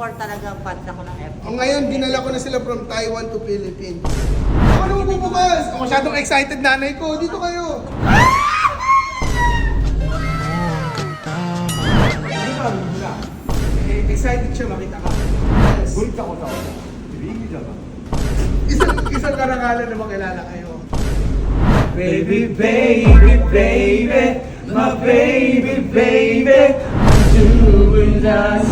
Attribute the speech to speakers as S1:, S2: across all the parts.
S1: F4 talaga, fans ako ng F4.
S2: Ngayon, dinala ko na sila from Taiwan to Philippines. Ako naman bubukas! Ako masyadong excited nanay ko. Dito kayo! Excited siya makita ka. Yes. Isang karangalan na makilala kayo.
S3: Baby, baby, baby, my baby, baby, doing us.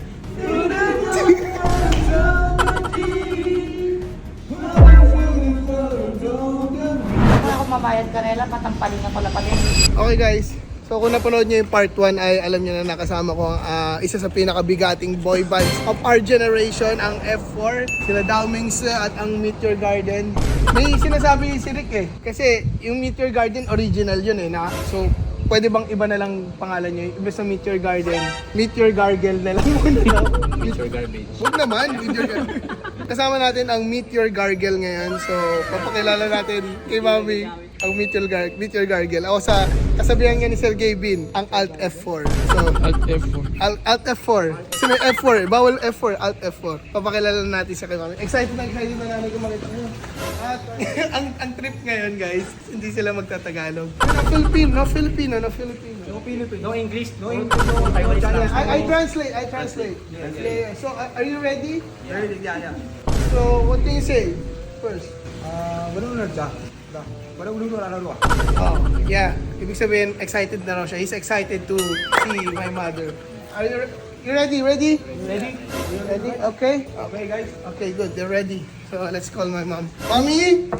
S1: Ako mabayad ka nila, patampaling ako lapatin.
S2: Okay guys, so kung napanood nyo yung part 1 ay alam nyo na nakasama ko ang isa sa pinakabigating boy bands of our generation, ang F4, sila Daomings at ang Meteor Garden. May sinasabi si Rick eh, kasi yung Meteor Garden original yun eh, so pwede bang iba na lang pangalan nyo? Iba sa Meteor Garden, Meteor Gargle na lang muna.
S3: Meteor garbage.
S2: Huwag naman, Meteor Gargle. Kasama natin ang Meteor Gargle ngayon, so papakilala natin kay Mami ang Meteor Gargle. Ako sa kasabihan nga ni Sergey Bin, ang Alt F4. So,
S3: Alt F4.
S2: Alt F4. Kasi may F4, bawal F4, Alt F4. Papakilala natin siya kay Mami. Excited na nanay ko makita ko. At ang trip ngayon guys, hindi sila magtatagalog. No Filipino.
S3: No Philippine, no English, no English, no Taiwanese lang.
S2: I translate. Yeah. So, are you ready?
S3: Ready, yeah.
S2: So, what can you say first? Oh, yeah. Ibig sabihin, excited na raw siya. He's excited to see my mother. Are you ready?
S3: Ready?
S2: Ready? Okay?
S3: Okay, guys.
S2: Okay, good. They're ready. So, let's call my mom. Mommy!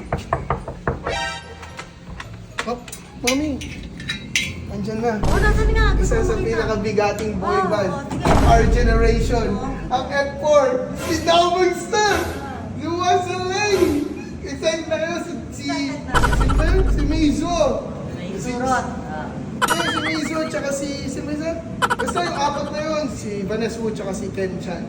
S2: Oh, Mommy! Andyan na.
S1: Oh, nasan nga?
S2: Isa sa pinakabigating boy band of our generation. Ang F4, si Daomings na! Luwas Lane! Excited na kayo si Mizo!
S1: Si Surot.
S2: Si Mizo tsaka si Mizo. Basta yung apat na yun. Si Vanessa Wu tsaka si Kenchan.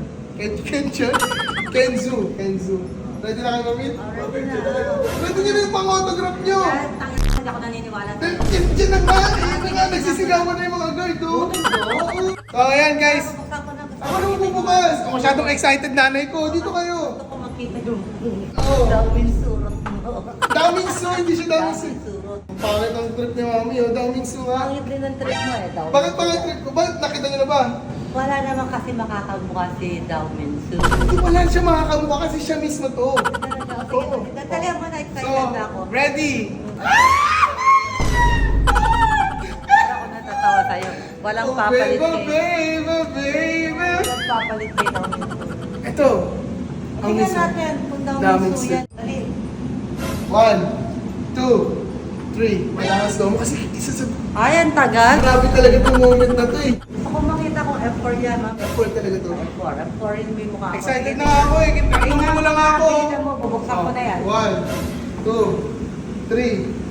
S2: Kenzu. Ready na kayo, Mami? Ready nyo na yung pang-autograph nyo!
S1: Hindi ako naniniwala.
S2: Diyan na nga! Nagsisigawan na yung mga guard, oh! Oo! So, ayan guys. Ako naman bubukas! Ako masyadong excited nanay ko. Dito kayo!
S1: Gusto ko makita yung
S2: Oo.
S1: Daomings surot mo.
S2: Daomings Su, hindi siya Daomings Su.
S1: Surot.
S2: Ang pangit ang trip ni Mami, oh. Daomings Su, ha?
S1: Pangit din ang trip mo eh, Daomings.
S2: Bakit pangit trip ko? Bakit nakita niyo na ba?
S1: Wala naman kasi makakamukha si Daomings.
S2: Hindi wala siya makakamukha kasi siya mismo to.
S1: Sige, talaga mo na
S2: So,
S1: excited na ako.
S2: ready?
S1: Ako natatawa sa'yo. Walang
S2: Oh,
S1: papalit
S2: baby.
S1: Walang papalit kay Daomings.
S2: Ito. Ang
S1: Tingnan
S2: isa.
S1: natin kung
S2: Daomings
S1: Daomings
S2: Su.
S1: yan. Dali.
S2: 1, 2, 3. Kailangan slow mo kasi isa sa...
S1: Ay, ang tagal.
S2: Grabe talaga itong moment na to eh.
S1: Gusto ko makita kung F4 yan, ma'am.
S2: F4 talaga to.
S1: F4 yun may mukha ko.
S2: Excited na ako eh. Tingnan mo lang ako.
S1: Tingnan mo, bubuksan ko na yan.
S2: 1, 2, 3.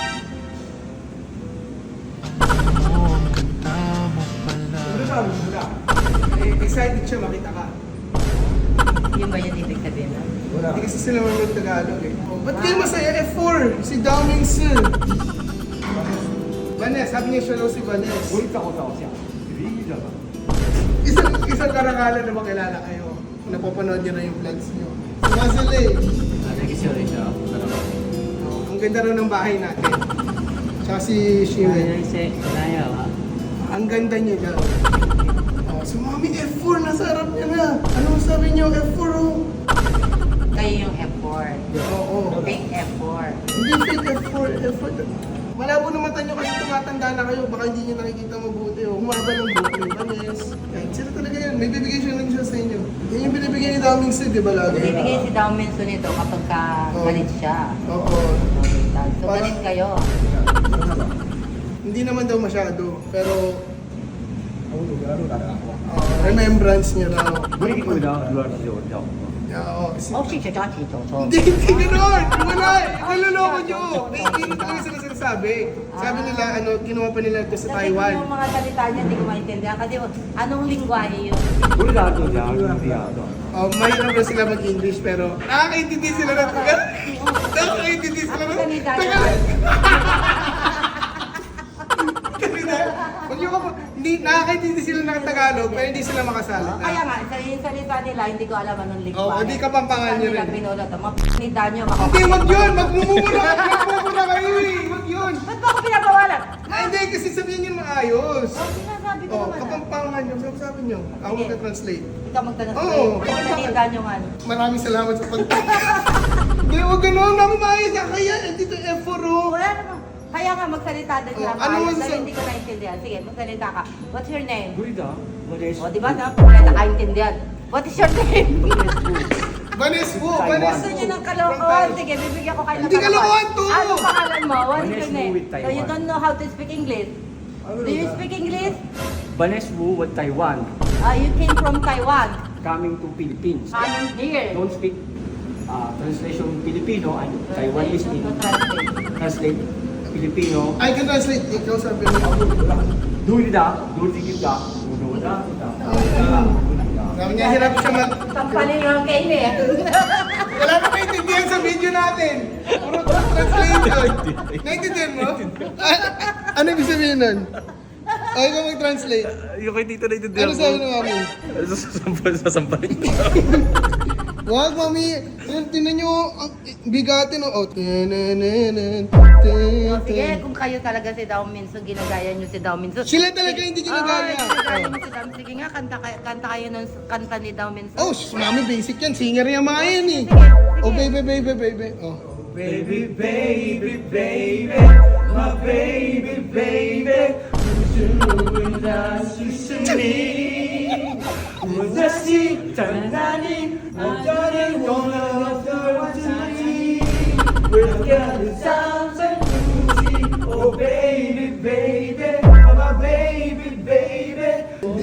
S2: Excited siya makita ka.
S1: Yun ba yun ibig sabihin na?
S2: Hindi kasi sila marunong Tagalog eh. Ba't kayo masaya? F4! Si Daomings Su. Vanessa, sabi niya siya daw si Vanessa. Isang karangalan na makilala kayo. Napapanood niyo na yung vlogs niyo. Si Mazele. Ang ganda raw ng bahay natin. Tsaka si Shiwen. Ang ganda niya daw. Oh, so Mami, F4, nasa harap niya na. Ano sabi niyo, F4 oh?
S1: Kayo yung F4.
S2: Oo.
S1: Fake F4.
S2: Hindi fake F4, F4. Malabo na mata niyo kasi tumatanda na kayo. Baka hindi niyo nakikita mabuti. Oh. Humaba ng buhok ni Vanessa. Sila talaga yan. May bibigay siya lang siya sa inyo. Yan yung binibigay ni Daomings Su, di ba lagi?
S1: Bibigay si Daomings Su nito kapag galit siya.
S2: Oo.
S1: So, galit kayo.
S2: Hindi naman daw masyado. Pero remembrance niya raw. Oo.
S1: Oh, si Chacha Chito.
S2: Hindi gano'n! Wala! Naloloko nyo! Hindi talaga sila sinasabi. Sabi nila, ginawa pa nila ito sa
S1: Kasi
S2: Taiwan.
S1: yung mga salita niya, hindi ko maintindihan. Kasi anong lingwahe yun?
S2: Mahirap na sila mag-English pero nakakaintindi sila ng tagal. Nakakaintindi sila ng tagal. Kanina, Hindi, nakakaintindi sila ng Tagalog, pero hindi sila makasalita.
S1: Kaya nga, yung salita nila, hindi ko alam anong lingwahe.
S2: Oo, di Kapampangan nyo rin.
S1: Pinulot, mga p***nita nyo,
S2: Hindi, wag yun! Magmumura kayo eh! Wag yun!
S1: Ba't ba ako pinabawalan?
S2: Ay, hindi, kasi sabihin yun maayos.
S1: Oh, sinasabi ko
S2: Oh,
S1: naman.
S2: Kapampangan nyo, sabi nyo. Ako
S1: Sige.
S2: magka-translate.
S1: Ikaw magtanong
S2: Oo.
S1: sa'yo. Pinakita nyo nga.
S2: Maraming salamat sa pagtulong. Hindi, wag ganun. Namin maayos na kaya. Dito F4 oh.
S1: Wala naman. Kaya nga magsalita din siya.
S2: Oh, ano
S1: Maayos,
S2: man
S1: pero
S2: sa-
S1: hindi ko naintindihan. Sige, magsalita ka. What's your name?
S3: Guida, Vanes.
S1: O, di ba? Wala nakaintindihan. What is your name?
S2: Vanes po,
S3: Taiwan.
S2: Vanes
S1: Gusto
S2: po.
S1: niyo ng kalokohan. Sige, bibigyan ko kayo ng
S2: Hindi kalokohan to.
S1: Ano pangalan mo? What is
S3: Vanessa
S1: your name?
S3: with
S1: So you
S3: Taiwan.
S1: don't know how to speak English? Do you speak English?
S3: Vanes Wu with Taiwan.
S1: You came from Taiwan.
S3: Coming to Philippines.
S1: Coming here.
S3: Don't speak translation Filipino and Taiwanese in translate Filipino.
S2: I can translate. Ikaw sabi mo.
S3: Dulida, dulida, dulida.
S2: Sabi niya, hirap siya mag...
S1: Sampalin yung kain eh.
S2: Wala na maintindihan sa video natin. Puro translation. Naintindihan mo? Ano ibig sabihin nun? Ay, ikaw mag-translate.
S4: Yung kay Tito na itindihan
S2: Ano sabi ng mami?
S4: Sasampalin ko.
S2: Wag, mami. Yan, tinan nyo. Ang bigatin. Oh,
S1: Sige, kung kayo talaga si Dao Minso, ginagaya nyo si Dao Minso.
S2: Sila talaga hindi ginagaya.
S1: Ginagaya mo si Dao Minso. Sige nga, kanta kayo ng kanta ni Dao Minso.
S2: Oh, mami, basic yan. Singer yung mga yan eh.
S1: Sige, sige.
S2: Oh, baby, baby, baby. Oh.
S3: Baby, baby, baby, my baby, baby, Oh baby, baby, my baby, baby,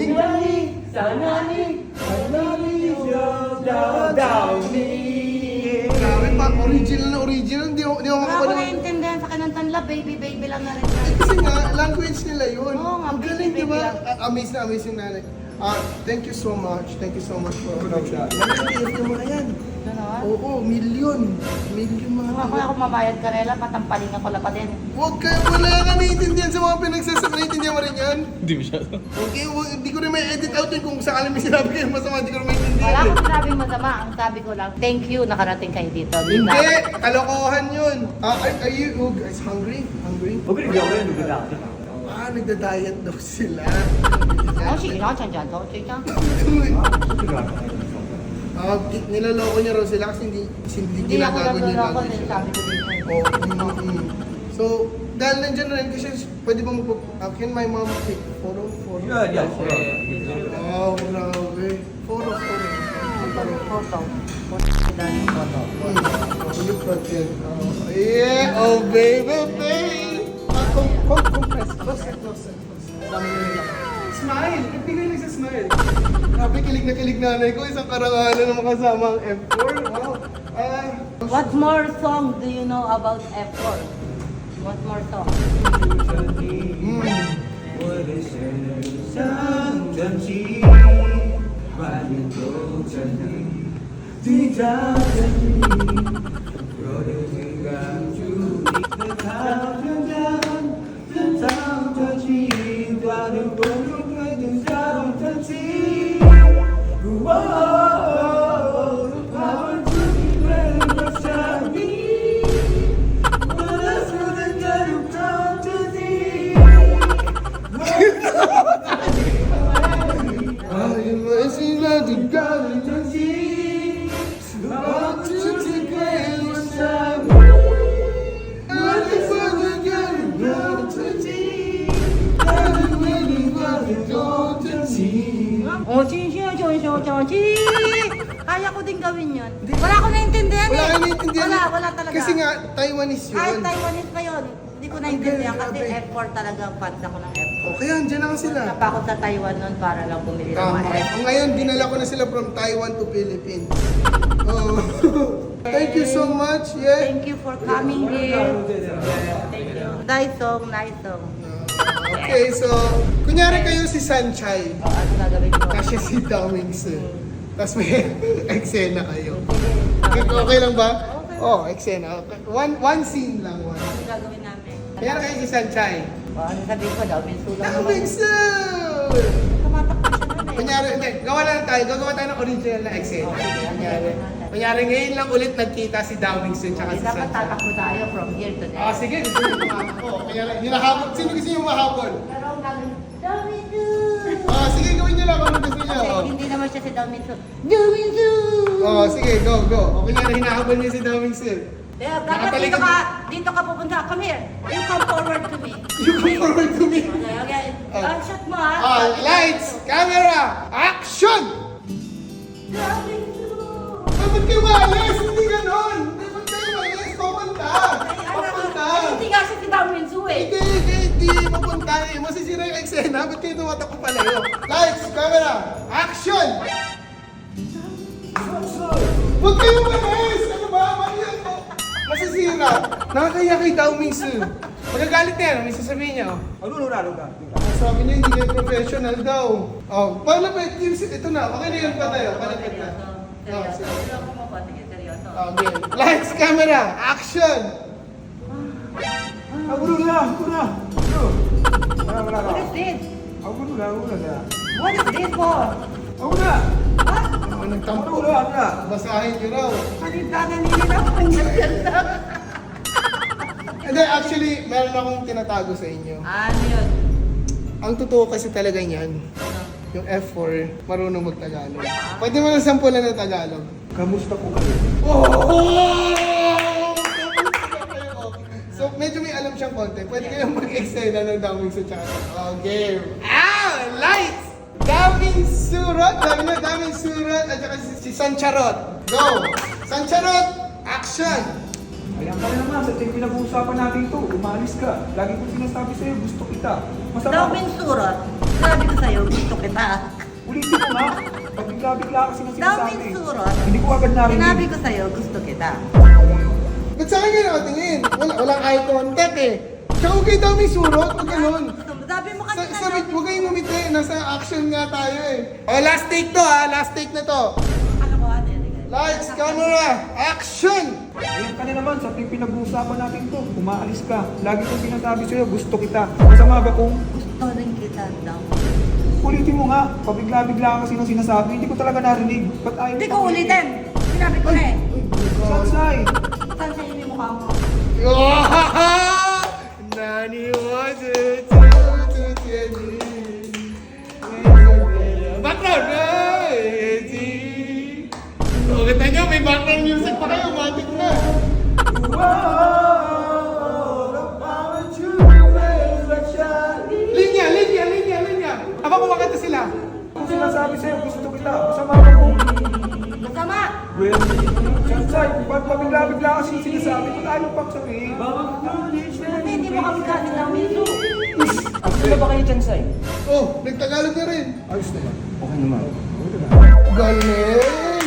S2: Grabe pa, original na original. Hindi ako
S1: Wala ko
S2: makapanood.
S1: naiintindihan sa kanantanla, baby, baby lang na rin.
S2: Kasi nga, language nila yun.
S1: Oo nga,
S2: Ang galing,
S1: baby,
S2: di ba?
S1: baby lang.
S2: Amazed na amazed yung nanay. Thank you so much. Thank you so much for that. Nag-TF yung mga yan.
S1: Ano?
S2: Oo, million. Million mga.
S1: Kung ako mabayad ka nila, patampaling ako lang pa din.
S2: Huwag ka, wala ka naiintindihan sa mga pinagsasabi. Naiintindihan mo rin yan?
S4: Hindi masyado.
S2: Okay, hindi ko rin may edit out yun kung sakali may sinabi kayo masama, hindi ko rin
S1: Wala
S2: maintindihan.
S1: akong sinabing masama. Ang sabi ko lang, thank you, nakarating kayo dito. Di ba?
S2: Hindi, kalokohan yun. Are you guys hungry? Hungry? Nagda-diet daw sila.
S1: Oh, sige lang, dyan, to. Sige lang.
S2: Nilaloko niya raw sila kasi hindi
S1: Hindi ako
S2: ginagago niya
S1: naluloko,
S2: lang.
S1: sabi ko dito.
S2: Oh, So, dahil nandyan rin kasi pwede ba can my mom take photo?
S3: Yeah.
S2: Oh, grabe. Photo.
S1: Photo.
S2: Look at it. Yeah, oh baby, baby. Compress. Close. Smile! Nagbigay lang sa smile. Grabe, kilig na kilig nanay ko. Isang karangalan na makasama ang F4. Wow.
S1: What more song do you know about F4? What more song? Oh, kaya ko din gawin yun. Wala ko naintindihan
S2: Wala
S1: eh.
S2: ka naiintindihan.
S1: Wala talaga.
S2: Kasi nga, Taiwanese yun.
S1: Kahit Taiwanese pa yun. Hindi ko naintindihan
S2: Ang
S1: kasi
S2: galing,
S1: F4 talaga ang fans ako ng F4.
S2: O kaya, andyan na nga sila.
S1: Punta pa ako sa Taiwan noon para lang bumili ng
S2: Tama.
S1: mga F4.
S2: Ngayon, dinala ko na sila from Taiwan to Philippines. Oh. Thank you so much. Yeah.
S1: Thank you for coming here. Thank you. Nice song.
S2: Okay, so, kunyari kayo si Sanchay.
S1: O, ano gagawin ko?
S2: Kasi si Damings. Tapos may eksena kayo. Okay lang ba?
S1: Okay.
S2: Oh, eksena. One scene lang.
S1: Ano gagawin namin?
S2: Kunyari kayo si Sanchay.
S1: O, ano sabihin ko daw? Minsulang naman.
S2: Damings!
S1: Tumatakbo siya nun eh.
S2: Kunyari, hindi, gawa na lang tayo. Gagawa tayo ng original na eksena. Kunyari, ngayon lang ulit nagkita si Dawingson tsaka si
S1: Dapat
S2: Sancho.
S1: tatakbo tayo from here to there.
S2: Ah, sige, gusto nyo tumakbo. Kunyari, hinahabol. Sino gusto nyo mahabol?
S1: Pero ang gagawin, Daminsu!
S2: Ah, sige, gawin nyo lang kung ano gusto nyo.
S1: Kasi hindi naman siya si Daminsu. Daminsu!
S2: Oh, sige, go, go. O, kunyari, hinahabol niya si Dawingson.
S1: Yeah, dapat
S2: Nakatalikod
S1: dito ka pupunta. Come here. You come forward to me.
S2: You come forward to me.
S1: Okay, okay.
S2: Oh.
S1: Shot mo ha.
S2: Ah, lights, camera, action!
S1: Daminsu!
S2: Dapat kayo maalis, hindi ganon. Dapat kayo maalis, papunta. Papunta.
S1: Hindi nga siya si Daminsu eh.
S2: Hindi papunta eh. Masisira yung eksena, ba't kayo tumatakbo palayo? Lights, camera, action! Huwag kayo maalis! Ano ba? Mali yan po. Masisira. Nakakaya kay Dawingsu. Magagalit na yan, may sasabihin niya. Oh.
S3: Luga.
S2: Sabi niya, hindi kayo professional daw. Oh, palapit. Ito na, okay na yun pa tayo. Palapit na. Oh,
S1: Seryoso.
S2: sige.
S1: Seryoso mo ba? Sige, seryoso.
S2: Okay. Lights, camera, action!
S3: Wala.
S1: What is this?
S3: Wala.
S1: What is this for?
S3: Wala.
S2: Ano nagtampo?
S3: Wala.
S2: Basahin niyo raw.
S1: Salita na nilinapan niya ganda.
S2: Hindi, actually, meron akong tinatago sa inyo.
S1: Ano yun?
S2: Ang totoo kasi talaga niyan, yung F4, marunong mag-Tagalog. Pwede mo lang sampulan ng Tagalog.
S3: Kamusta po kayo?
S2: So, medyo may alam siyang konti. Pwede kayong mag-extend ng Dawingsu tsaka sa game. Lights! Daming-surot! Daming-surot! At saka si Sancharot. Go! Sancharot! Action!
S3: Ayan ka na naman, sa tayo pinag-uusapan natin ito. Umalis ka. Lagi ko sinasabi sa'yo, gusto kita. Masama.
S1: Daminsurot. Sabi ko sa'yo, gusto kita.
S3: Ulitin mo nga. Pag bigla-bigla kasi na sinasabi.
S1: Daminsurot.
S3: Hindi ko agad narinig.
S1: Sinabi ko sa'yo, gusto kita.
S2: Ba't sa akin kayo nakatingin? Walang eye contact eh. Tsaka huwag kayo Daming-surot, huwag ganun.
S1: Sabi mo kasi
S2: Sabi, huwag kayong ngumiti. Nasa action nga tayo eh. Oh, last take to ha. Last take na to.
S1: Ano ko, ano yun?
S2: Lights, camera, action!
S3: Ayan ka na naman, sa tayo pinag-uusapan natin ito. Umaalis ka. Lagi ko sinasabi sa'yo, gusto kita. Masama ba kung
S1: Gusto rin kita daw.
S3: ulitin mo nga? Pabigla-bigla kasi nang sinasabi. Hindi ko talaga narinig. Ba't ayaw
S1: Hindi
S3: mo
S1: ko ulitin. Sinabi ko na eh.
S3: Sansay!
S1: Saan sa'yo yung mukha mo?
S2: Nani was it? Background! Oh, kita nyo, may background music pa kayo. Matik na. Linya. Habang kumakanta sila.
S3: Kung sinasabi sa'yo, gusto kita. Masama ba kung
S1: Masama!
S3: well, Sansay, ba't pabigla-bigla kasi sinasabi? Ba't ayaw pang sabihin?
S1: Kasi hindi mo kami kasi ng miso.
S3: Ano ba kayo, Chansay?
S2: Oh, nagtagalog na rin.
S3: Ayos naman. Okay naman.
S2: Galing!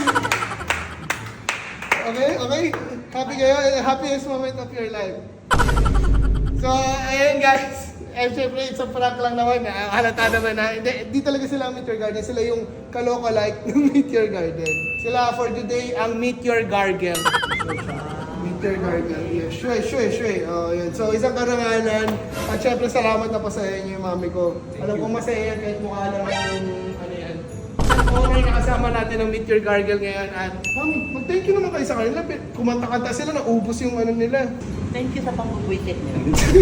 S2: Okay? Happy kayo? Happiest moment of your life. So, ayun guys. Syempre, it's a prank lang naman. Halata naman na. Di talaga sila ang Meteor Garden. Sila yung kaloka-like ng Meteor Garden. Sila for today ang Meteor Gargle. Meteor Gargle. Yeah, shwe. Oh, yun. So, isang karangalan. At syempre, salamat na pa sa inyo yung mami ko. Alam ko masaya yan kahit mukha lang yung ano yan. Okay, nakasama natin ang Meteor Gargle ngayon. At, mami, mag-thank you naman kayo sa kanila. Kumanta-kanta sila, naubos yung ano nila.
S1: Thank you sa pang-buwisit niyo.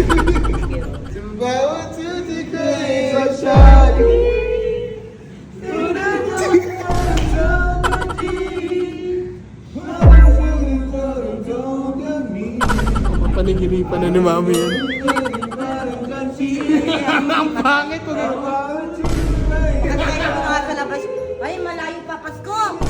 S2: Bawat suti ko ay sasyari. Panigiripan na ni mami yan. Ang pangit ko.
S1: Kasi mga sa labas, ay malayo pa Pasko!